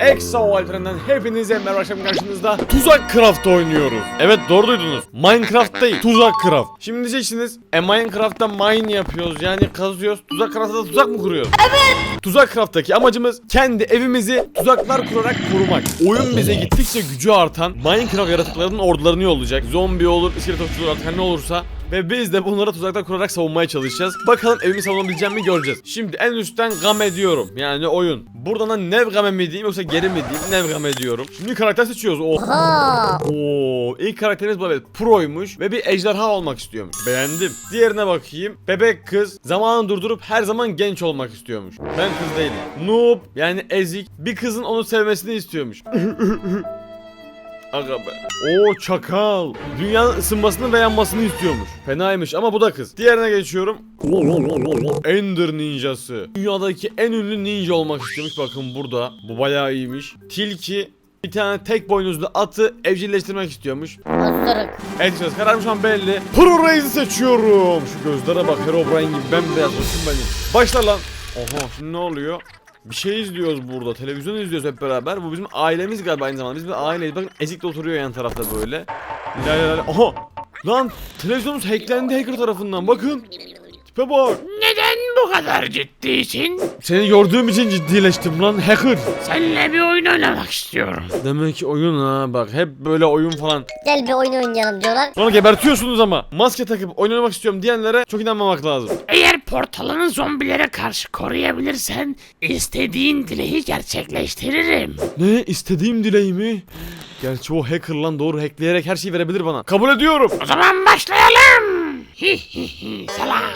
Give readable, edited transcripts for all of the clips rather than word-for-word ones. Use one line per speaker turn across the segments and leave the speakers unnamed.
Exo Alperen'den hepinize merhaba, akşam karşınızda Tuzak Craft oynuyoruz. Evet, doğru duydunuz. Minecraft değil, Tuzak Craft. Şimdi diyeceksiniz, Minecraft'ta mine yapıyoruz, yani kazıyoruz. Tuzak Craft'ta da tuzak mı kuruyoruz? Evet. Tuzak Craft'taki amacımız kendi evimizi tuzaklar kurarak korumak. Oyun bize gittikçe gücü artan Minecraft yaratıklarının ordularını yollayacak. Zombi olur, iskelet okçular, artık her ne olursa. Ve biz de bunlara tuzaklar kurarak savunmaya çalışacağız. Bakalım evimi savunabileceğim mi göreceğiz. Şimdi en üstten game diyorum. Yani oyun. Buradan da nev game mi diyeyim yoksa geri mi diyeyim? Nev game diyorum. Şimdi karakter seçiyoruz. Oo, ilk karakterimiz bu, evet, proymuş ve bir ejderha olmak istiyormuş. Beğendim. Diğerine bakayım. Bebek kız. Zamanı durdurup her zaman genç olmak istiyormuş. Ben kız değilim. Noob, yani ezik. Bir kızın onu sevmesini istiyormuş. Aga be. Oo, çakal. Dünyanın ısınmasını ve yanmasını istiyormuş. Fenaymış ama bu da kız. Diğerine geçiyorum. Ender ninjası. Dünyadaki en ünlü ninja olmak istiyormuş. Bakın burada. Bu bayağı iyiymiş. Tilki. Bir tane tek boynuzlu atı evcilleştirmek istiyormuş.
Osuruk.
Evet, kararım şu an belli. Pro Reis'i seçiyorum. Şu gözlere bak, Herobrine gibi bembeyaz olsun benim. Başla lan. Oha, şimdi ne oluyor? Bir şey izliyoruz burada. Televizyon izliyoruz hep beraber. Bu bizim ailemiz galiba aynı zamanda. Biz bir aileyiz. Bakın Ezik de oturuyor yan tarafta böyle. La la la. Aha! Lan televizyonumuz hacklendi hacker tarafından. Bakın. Tipe bak.
Neden bu kadar ciddisin?
Seni gördüğüm için ciddileştim lan hacker.
Seninle bir oyun oynamak istiyorum.
Demek ki oyun ha, bak hep böyle oyun falan.
Gel bir oyun oynayalım diyorlar.
Sonra gebertiyorsunuz ama. Maske takıp oynamak istiyorum diyenlere çok inanmamak lazım.
Eğer portalını zombilere karşı koruyabilirsen istediğin dileği gerçekleştiririm.
Ne? İstediğim dileğimi? Gerçi o hacker lan, doğru, hackleyerek her şeyi verebilir bana. Kabul ediyorum.
O zaman başlayalım. Salak.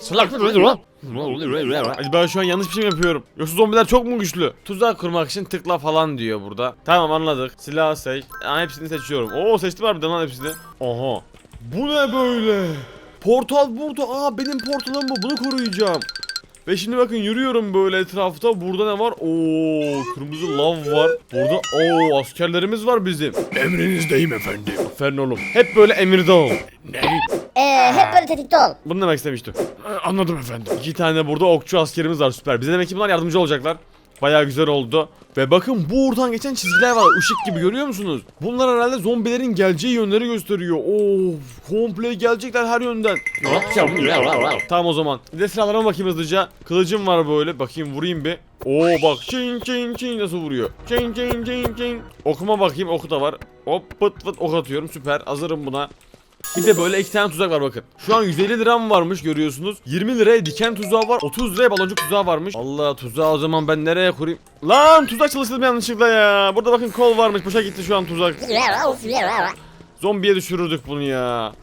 Ben şu an yanlış bir şey mi yapıyorum? Yoksa zombiler çok mu güçlü? Tuzak kurmak için tıkla falan diyor burada. Tamam, anladık. Silah seç. Hepsini seçiyorum. Oo, seçtim harbiden lan hepsini. Aha. Bu ne böyle? Portal burada. Aa, benim portalım bu. Bunu koruyacağım. Ve şimdi bakın yürüyorum böyle etrafta. Burada ne var? Oo, kırmızı lav var. Burada askerlerimiz var bizim.
Emrinizdeyim efendim.
Aferin oğlum. Hep böyle emirde ol.
Ne?
Hep böyle tetikte ol.
Bunu demek istemiştim.
Anladım efendim.
2 tane burada okçu askerimiz var, süper. Bize demek ki bunlar yardımcı olacaklar. Bayağı güzel oldu. Ve bakın buradan geçen çizgiler var, ışık gibi, görüyor musunuz? Bunlar herhalde zombilerin geleceği yönleri gösteriyor. Of, komple gelecekler her yönden. Tamam o zaman. Bir de silahlarıma bakayım hızlıca. Kılıcım var böyle, bakayım vurayım bir. Oo bak, çing çing çing nasıl vuruyor. Çing çing çing çing. Okuma bakayım, oku da var. Hop pıt pıt ok atıyorum, süper, hazırım buna. Bir de böyle 2 tane tuzak var bakın. Şu an 150 liram varmış, görüyorsunuz. 20 liraya diken tuzağı var. 30 liraya baloncuk tuzağı varmış. Allah, tuzağı o zaman ben nereye kurayım? Lan tuzak çalıştırdım yanlışlıkla ya. Burada bakın kol varmış. Boşa gitti şu an tuzak. Zombiye düşürürdük bunu ya.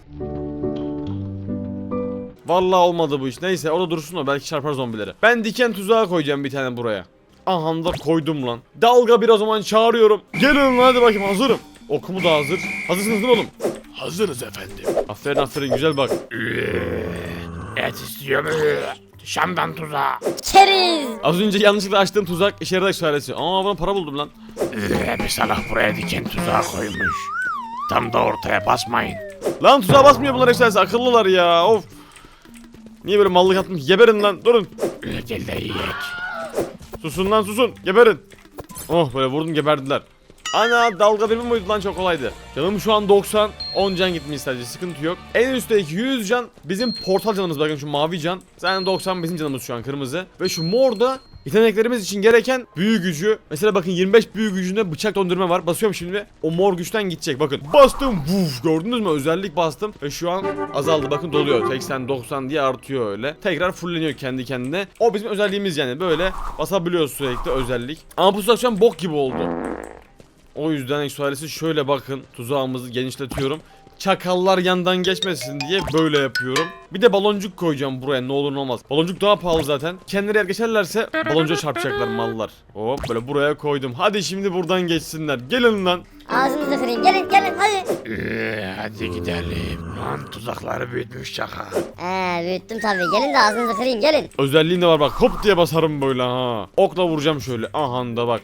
Vallahi olmadı bu iş. Neyse, o da dursun, o belki çarpar zombilere. Ben diken tuzağı koyacağım bir tane buraya. Aha da koydum lan. Dalga bir o zaman çağırıyorum. Gelin hadi bakayım, hazırım. Okumu da hazır. Hazırsınız değil mi oğlum?
Hazırız efendim.
Aferin aferin, güzel bak.
Et istiyorum. Şam'dan tuzağa.
Keriz.
Az önce yanlışlıkla açtığım tuzak işe yararak söylesi. Aa, bana para buldum lan.
Bir salak buraya diken tuzağı koymuş. Tam da ortaya basmayın.
Lan tuzağa basmıyor bunlar ekserisi, akıllılar ya, of. Niye böyle mallık attım? Geberin lan, durun.
Gel de yiyek.
Susun lan, susun, geberin. Oh, böyle vurdum, geberdiler. Ana, dalga birimi muydu lan, çok kolaydı. Canım şu an 90, 10 can gitmiş sadece, sıkıntı yok. En üstteki 100 can bizim portal canımız, bakın şu mavi can. Zaten 90 bizim canımız şu an, kırmızı. Ve şu mor da yeteneklerimiz için gereken büyü gücü. Mesela bakın 25 büyü gücünde bıçak döndürme var. Basıyorum şimdi, o mor güçten gidecek, bakın. Bastım, vuf, gördünüz mü, özellik bastım. Ve şu an azaldı, bakın doluyor. 80, 90 diye artıyor öyle. Tekrar fulleniyor kendi kendine. O bizim özelliğimiz yani, böyle basabiliyoruz sürekli, özellik. Ama bu tuzak şu an bok gibi oldu. O yüzden eksualesi şöyle bakın, tuzağımızı genişletiyorum. Çakallar yandan geçmesin diye böyle yapıyorum. Bir de baloncuk koyacağım buraya, ne olur ne olmaz. Baloncuk daha pahalı zaten. Kendileri yer geçerlerse baloncuğa çarpacaklar mallar. Hop, böyle buraya koydum. Hadi şimdi buradan geçsinler. Gelin lan.
Ağzınızı kırayım. Gelin hadi.
Hadi gidelim. Lan tuzakları büyütmüş çakal.
Büyüttüm tabii. Gelin de ağzınızı kırayım, gelin.
Özelliğim de var bak, hop diye basarım böyle ha. Okla vuracağım şöyle. Aha da bak.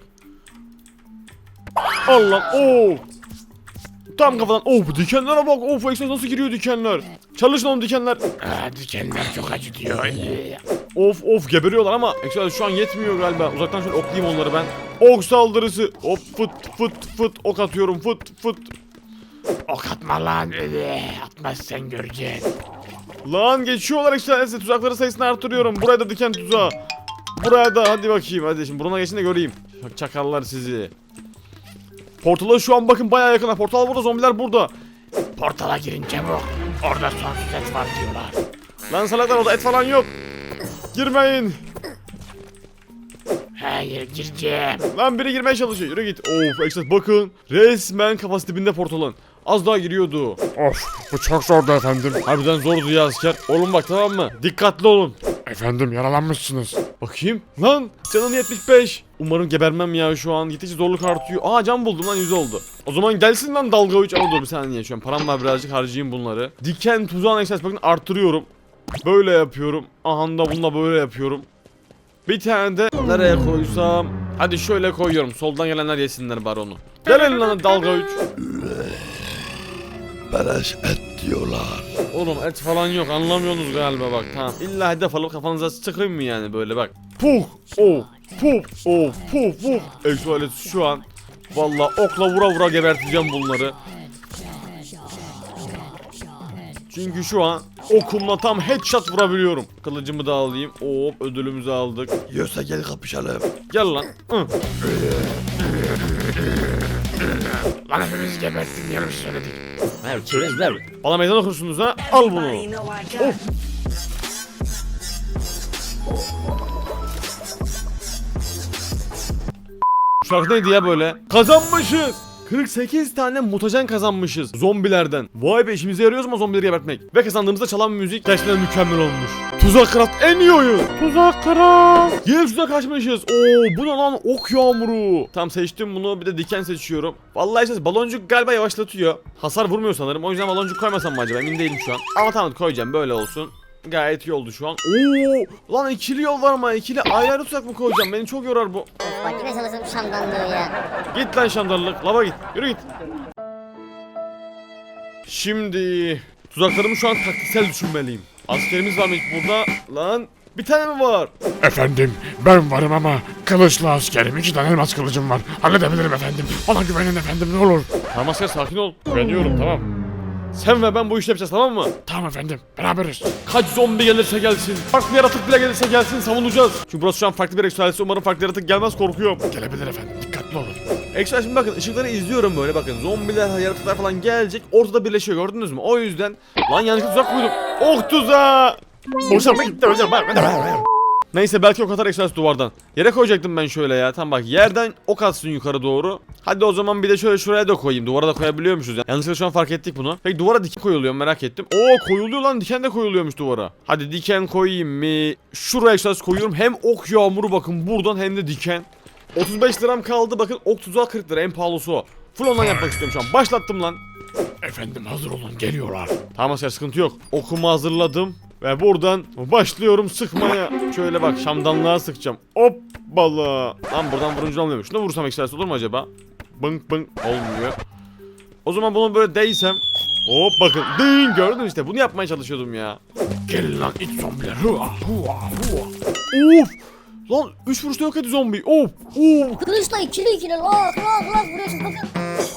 Allah, tam kafadan. Bu dikenlere bak. Of, ekstra nasıl giriyor dikenler. Çalışın oğlum dikenler.
Dikenler çok acıtıyor.
Of of geberiyorlar ama Exodus şu an yetmiyor galiba. Uzaktan şöyle oklayayım onları ben. Ok saldırısı. Hop fıt fıt fıt ok atıyorum fıt fıt.
Ok atma lan. Atmazsan göreceksin.
Lan geçiyorlar Exodus. Tuzakları sayısını artırıyorum. Buraya da diken tuzağı. Buraya da hadi bakayım hadi şimdi buruna geçin de göreyim. Çakallar sizi. Portala şu an bakın bayağı yakın. Portal burada, zombiler burada.
Portala girin çabuk. Orada sonsuz et var diyorlar.
Lan salaklar orada et falan yok. Girmeyin.
Hayır gireceğim.
Lan biri girmeye çalışıyor. Yürü git. Of Exodus bakın. Resmen kafası dibinde portalın. Az daha giriyordu.
Of bu çok zordu efendim.
Harbiden zordu ya asker. Oğlum bak tamam mı? Dikkatli olun.
Efendim yaralanmışsınız.
Bakayım. Lan canım 75. Umarım gebermem ya şu an. Gittikçe zorluk artıyor. Aa can buldum lan 100 oldu. O zaman gelsin lan dalga 3. Ama dur bir saniye şu an. Param var birazcık harcayayım bunları. Diken tuzağın Exodus bakın artırıyorum. Böyle yapıyorum. Aha da bununla böyle yapıyorum. Bir tane de nereye koysam? Hadi şöyle koyuyorum. Soldan gelenler yesinler bari onu. Gelin lan dalga 3.
Beleş et diyorlar.
Oğlum et falan yok anlamıyorsunuz galiba bak tamam. İlla hedef alıp kafanıza sıkayım mı yani böyle bak. Puh! Oh! Puh! Oh! Puh! Puh! Exodus şu an valla okla vura vura geberteceğim bunları. Çünkü şu an okumla tam headshot vurabiliyorum. Kılıcımı da alayım. Hop ödülümüzü aldık.
Yiyorsa gel kapışalım.
Gel lan. Hı.
Lan hepimiz gebertin yanlış söyledik.
Bana meydan okursunuz ha. Al bunu. Of. Şu şarkı neydi ya böyle? Kazanmışız. 48 tane mutajen kazanmışız zombilerden. Vay be işimize yarıyor ama zombileri gebertmek. Ve kazandığımızda çalan müzik gerçekten mükemmel olmuş. Tuzak Craft en iyi oyun. Tuzak Craft. Yine tuzak açmışız. Oo bu ne lan ok yağmuru. Tam seçtim bunu bir de diken seçiyorum. Vallahi işte baloncuk galiba yavaşlatıyor. Hasar vurmuyor sanırım. O yüzden baloncuk koymasam mı acaba emin değilim şu an. Ama tamam koyacağım böyle olsun. Gayet iyi oldu şu an. Oo lan ikili yol var ama ikili ayrı ayrı tuzak mı koyacağım? Beni çok yorar bu.
Of bak yine çalıştım şamdanlığı ya.
Git lan şamdarlık. Lava git. Yürü git. Şimdi tuzaklarımı şu an taktiksel düşünmeliyim. Askerimiz var mı hiç burada? Lan bir tane mi var?
Efendim ben varım ama kılıçlı askerim. 2 tane elmas kılıcım var. Halledebilirim efendim. Bana güvenin efendim ne olur.
Tamam asker sakin ol. Güveniyorum tamam. Sen ve ben bu işi yapacağız tamam mı?
Tamam efendim beraberiz.
Kaç zombi gelirse gelsin. Farklı yaratık bile gelirse gelsin savunacağız. Çünkü burası şu an farklı bir ekstralesi. Umarım farklı yaratık gelmez korkuyorum.
Gelebilir efendim dikkatli olun.
Ekstra şimdi bakın ışıkları izliyorum böyle bakın. Zombiler, yaratıklar falan gelecek. Ortada birleşiyor gördünüz mü? O yüzden lan yanlışlıkla tuzak koydum. Ok tuzağı.
Hoşuma gitti hocam.
Neyse belki o kadar ekstra duvardan. Yere koyacaktım ben şöyle ya. Tam bak yerden ok atsın yukarı doğru. Hadi o zaman bir de şöyle şuraya da koyayım. Duvara da koyabiliyormuşuz ya. Yanlışlıkla şu an fark ettik bunu. Peki duvara diken koyuluyor merak ettim. Oo koyuluyor lan diken de koyuluyormuş duvara. Hadi diken koyayım mı? Şuraya ekstra koyuyorum. Hem ok yağmuru bakın buradan hem de diken. 35 liram kaldı bakın ok tuzağı 40 lira en pahalısı o. Full ondan yapmak istiyorum şu an. Başlattım lan.
Efendim hazır olun geliyorlar.
Tamam asker sıkıntı yok. Okumu hazırladım. Ve buradan başlıyorum sıkmaya. Şöyle bak şamdanlığa sıkacağım. Hoppala. Lan buradan vurunca olmuyor. Şunu vursam ekstrası olur mu acaba? Bınk bınk olmuyor. O zaman bunu böyle değsem. Hop bakın. Ding gördün işte. Bunu yapmaya çalışıyordum ya.
Gelin lan it zombiler. Hua hua hua.
Of. Lan 3 vuruşta yok etti zombi. Of. Of.
Kılıçla ikili lak lak lak vuruyorsun bakın.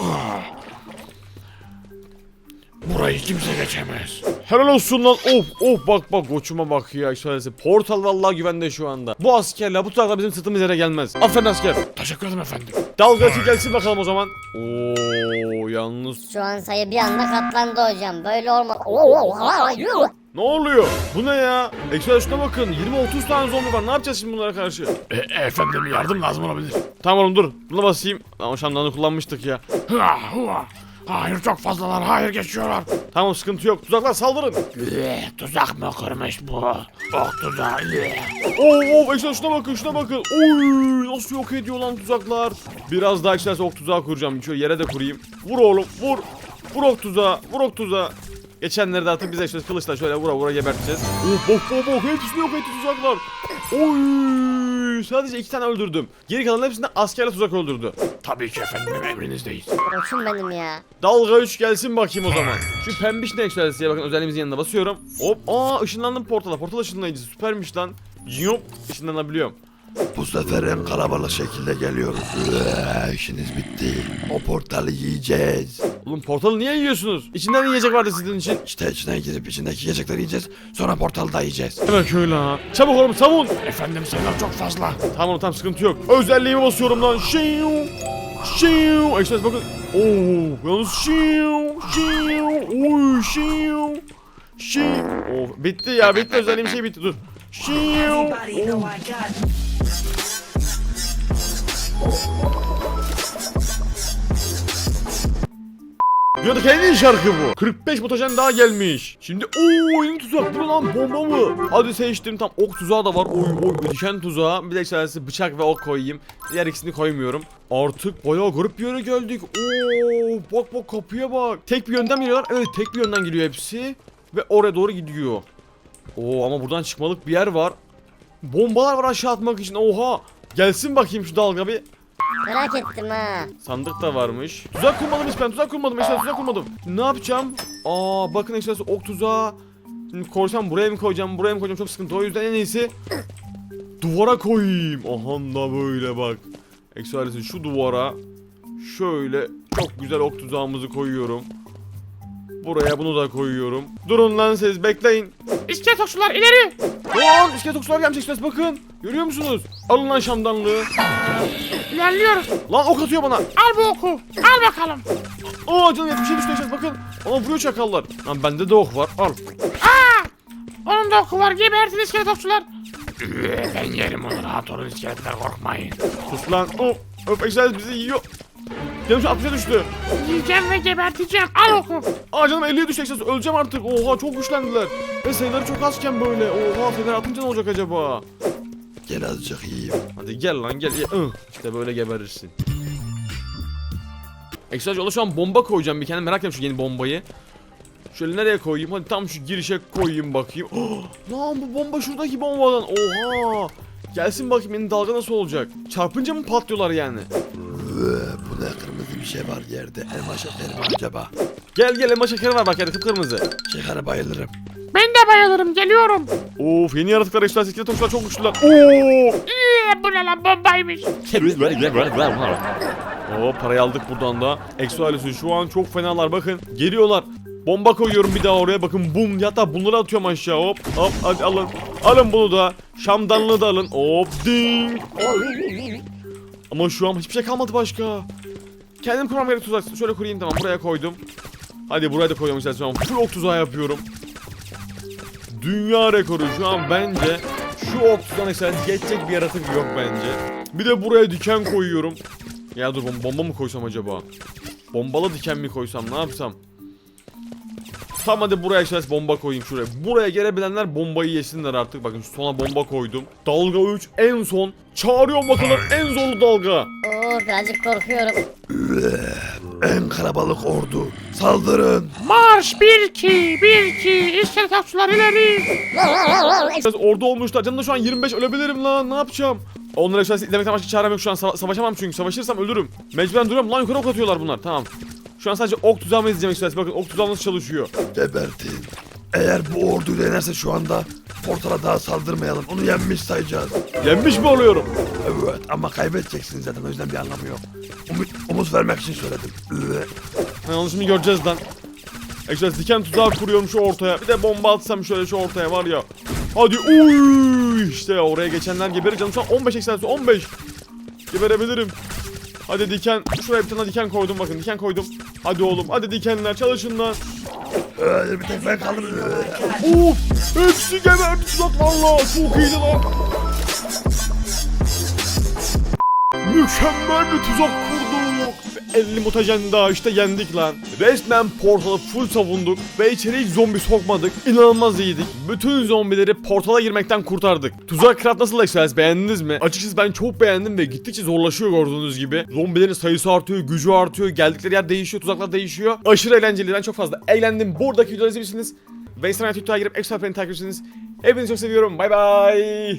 Burayı kimse geçemez.
Helal olsun lan. Of of bak bak koçuma bak ya. Şöylesi. Portal vallahi güvende şu anda. Bu askerler bu tuzaklar bizim sırtımız yere gelmez. Aferin asker.
Teşekkür ederim efendim.
Dalgacı gelsin bakalım o zaman. Oo yalnız.
Şu an sayı bir anda katlandı hocam. Böyle olmaz.
Ne oluyor? Bu ne ya? Ekstra şuna bakın. 20-30 tane zombi var. Ne yapacağız şimdi bunlara karşı?
Efendim yardım lazım olabilir.
Tamam oğlum dur. Buna basayım. Ama şamdanı kullanmıştık ya.
Hua hua. Hayır çok fazlalar. Hayır geçiyorlar.
Tamam sıkıntı yok. Tuzaklar saldırın.
Tuzak mı kurmuş bu? Ok tuzağı.
Oo ekstra şuna bakın şuna bakın. Oy nasıl yok ediyor lan tuzaklar. Biraz daha ekstra ok tuzağı kuracağım. Şöyle yere de kurayım. Vur oğlum vur. Vur ok tuzağı. Vur ok tuzağı. Geçenleri de artık bize işte kılıçla şöyle vura vura geberteceğiz. Oh bok bok bok hepsini yok etti tuzaklar. Oy sadece 2 tane öldürdüm. Geri kalan hepsinde askerle tuzak öldürdü.
Tabii ki efendim emrinizdeyiz.
Koçum benim ya.
Dalga 3 gelsin bakayım o zaman. Şu pembiş ne ekstralisiye bakın özelliğimizin yanına basıyorum. Hop aa ışınlandım portala. Portal ışınlayıcısı süpermiş lan. Yup, ışınlanabiliyorum.
Bu sefer en kalabalık şekilde geliyoruz. İşiniz bitti. O portalı yiyeceğiz.
Oğlum portalı niye yiyorsunuz? İçinden yiyecek vardı sizin için.
İşte içine girip içindeki yiyecekleri yiyeceğiz. Sonra portalı da yiyeceğiz.
Evet öyle ha. Çabuk oğlum savun.
Efendim sayılar çok fazla.
Tamam sıkıntı yok. Özelliğimi basıyorum lan. Şiu. Şiu. Ekstres bakın. Oo, yalnız şiu. Şiu. Oy şiu. Şiu. Oh, bitti ya bitti özelliğim şey bitti dur. Şiu.
Everybody know I got
Diyorduk en iyi şarkı bu. 45 mutajen daha gelmiş. Şimdi yeni tuzak bu ne lan bomba mı? Hadi seçtim tam ok tuzağı da var. Oy diken tuzağı. Bir de ekstrası bıçak ve ok koyayım. Diğer ikisini koymuyorum. Artık bayağı garip bir yere geldik. Bak kapıya bak. Tek bir yönden geliyorlar. Evet tek bir yönden geliyor hepsi. Ve oraya doğru gidiyor. Ama buradan çıkmalık bir yer var. Bombalar var aşağı atmak için. Oha. Gelsin bakayım şu dalga bir.
Merak ettim ha.
Sandık da varmış. Tuzak kurmadım hiç ben tuzak kurmadım. Ne yapacağım? Bakın ekstrası ok tuzağı. Şimdi koysam buraya mı koyacağım çok sıkıntı. O yüzden en iyisi duvara koyayım. Aha da böyle bak. Ekstrası şu duvara şöyle çok güzel ok tuzağımızı koyuyorum. Buraya bunu da koyuyorum. Durun lan siz bekleyin. İskelet okçular ileri. Lan iskelet okçular gelmiş ekstrası bakın. Görüyor musunuz? Alın lan şamdanlığı.
İlerliyoruz.
Lan ok atıyor bana.
Al bu oku. Al bakalım.
Canım 70'e düştü yaşat bakın. Vuruyor çakallar. Lan bende de ok var al.
Onun da oku var. Gebertin iskelet okçular.
Ben yerim onu, rahat olun iskeletler, korkmayın.
Sus lan. Egzersiz bizi yiyor. Canım şu 60'a düştü.
Yiyeceğim ve geberteceğim. Al oku.
Canım 50'ye düştü egzersiz. Öleceğim artık. Oha çok güçlendiler. Ve sayıları çok azken böyle. Oha fener atınca ne olacak acaba?
Gel azıcık yiyeyim.
Hadi gel lan gel. İşte böyle geberirsin. Egzersiz yola şu an bomba koyacağım bir kendime. Merak ettim şu yeni bombayı. Şöyle nereye koyayım? Hadi tam şu girişe koyayım bakayım. Lan bu bomba şuradaki bombadan. Oha! Gelsin bakayım yeni dalga nasıl olacak? Çarpınca mı patlıyorlar yani?
Bu ne kırmızı bir şey var yerde. Elma şekeri mi acaba?
Gel elma şekeri var bak yerde kıpkırmızı.
Şekere bayılırım.
Ben de bayılırım. Geliyorum.
Of yeni yaratıklar ekstrası iskelet topçular çok güçlüler.
Bu ne lan, bombaymış.
Parayı aldık buradan da. Exo ailesi şu an çok fenalar bakın. Geliyorlar. Bomba koyuyorum bir daha oraya bakın bum. Hatta bunları atıyorum aşağı hop hadi alın. Alın bunu da. Şamdanlığı da alın. Hop ding. Ama şu an hiçbir şey kalmadı başka. Kendim kurmam gerek tuzak. Şöyle kurayım tamam buraya koydum. Hadi buraya da koyuyorum işte şu an. Full ok tuzağı yapıyorum. Dünya rekoru şu an bence. Şu ok tuzağına geçecek bir yaratık yok bence. Bir de buraya diken koyuyorum. Ya dur bomba mı koysam acaba? Bombalı diken mi koysam ne yapsam? Tamam hadi buraya bomba koyayım şuraya. Buraya gelebilenler bombayı yesinler artık. Bakın şu sona bomba koydum. Dalga 3 en son. Çağırıyorum bakalım en zorlu dalga.
Birazcık korkuyorum.
En kalabalık ordu. Saldırın.
Marş 1-2. İskelet okçular ileri.
Biraz orada olmuşlar. Canım da şu an 25 ölebilirim lan. Ne yapacağım? Onları aşağısı izlemekten başka çarem yok şu an. Savaşamam çünkü. Savaşırsam ölürüm. Mecburen duruyorum. Lan yukarı ok atıyorlar bunlar. Tamam. Şu an sadece ok tuzağımı izleyeceğim işte. Bakın ok tuzağı nasıl çalışıyor.
Gebertin. Eğer bu orduyla yenerse şu anda portala daha saldırmayalım. Onu yenmiş sayacağız.
Yenmiş mi oluyorum?
Evet ama kaybedeceksiniz zaten o yüzden bir anlamı yok. Umut vermek için söyledim.
Yanlışımı göreceğiz lan. Ekşi diken tuzağı kuruyorum şu ortaya. Bir de bomba atsam şöyle şu ortaya var ya. Hadi işte oraya geçenler geberir canım şu an 15 eksensi 15. Geberebilirim. Hadi diken şuraya bir tane diken koydum bakın diken koydum. Hadi oğlum hadi dikenler çalışın lan.
Bir tek ben kaldım.
Hepsi geberdi tuzak valla çok iyiydi lan. Mükemmel bir tuzak kurduk. 50 mutajen daha işte yendik lan. Resmen portalı full savunduk ve içeri hiç zombi sokmadık. İnanılmaz iyiydik. Bütün zombileri portala girmekten kurtardık. Tuzak craft nasıl Express beğendiniz mi? Açıkçası ben çok beğendim ve gittikçe zorlaşıyor gördüğünüz gibi. Zombilerin sayısı artıyor, gücü artıyor, geldikleri yer değişiyor, tuzaklar değişiyor. Aşırı eğlenceli, ben çok fazla eğlendim. Buradaki videoları izlemişsiniz. Ve Instagram, Twitter'a girip Express'ı takip edersiniz. Hepinizi çok seviyorum. Bay bay.